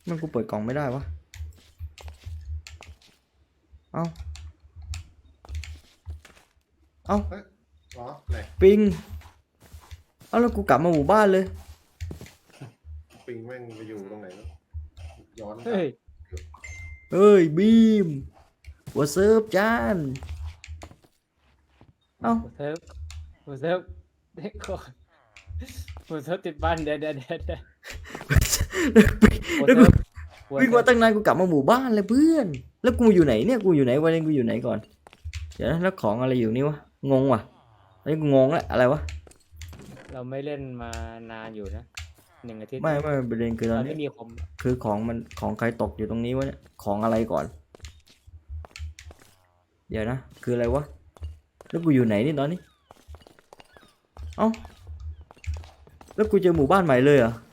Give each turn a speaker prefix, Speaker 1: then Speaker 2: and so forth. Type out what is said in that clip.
Speaker 1: มันกูเปิดกล่องไม่ได้วะเอ้าเอ้า
Speaker 2: อ๋อไหน
Speaker 1: ปิงเอ้าแล้วกูกลับมาหมู่บ้านเลย
Speaker 2: ปิงแม่งไปอยู่ตรงไหนแล้วย้อนกลับ
Speaker 3: เฮ้ย
Speaker 1: เอ้ยบีมหัวเซิร์ฟจานเอ้า
Speaker 3: หัวเซิร์ฟหัวเซิร์ฟเด็กก่อนหัวเซิร์ฟติดบ้านเดี๋ยวหัว
Speaker 1: แล้ว
Speaker 3: เซิ
Speaker 1: กู
Speaker 3: ร์ฟหัว
Speaker 1: วิ่ง
Speaker 3: เซิ
Speaker 1: มา
Speaker 3: ร์ฟ
Speaker 1: ตั้งนานกูกลับมาหมู่บ้านเลยเพื่อนแล้วกูอยู่ไหนเนี่ยกูอยู่ไหนวันนี้กูอยู่ไหนก่อนเดี๋ยวนะแล้วของอะไรอยู่นี่วะงงว่ะอันนี้กูงงแล้วอะไรวะ
Speaker 3: เราไม่เล่นมานานอยู่นะ1 อาทิตย์
Speaker 1: ไม่ประเด็นคือตอ
Speaker 3: เรา
Speaker 1: นนี้
Speaker 3: ไม่มีคอม
Speaker 1: คือของมันของใครตกอยู่ตรงนี้วะเนี่ยของอะไรก่อน เดี๋ยวนะคืออะไรวะแล้วกูอยู่ไหนนี่ตอนนี้เอ้าแล้วกูเจอหมู่บ้านใหม่เลยเหรอ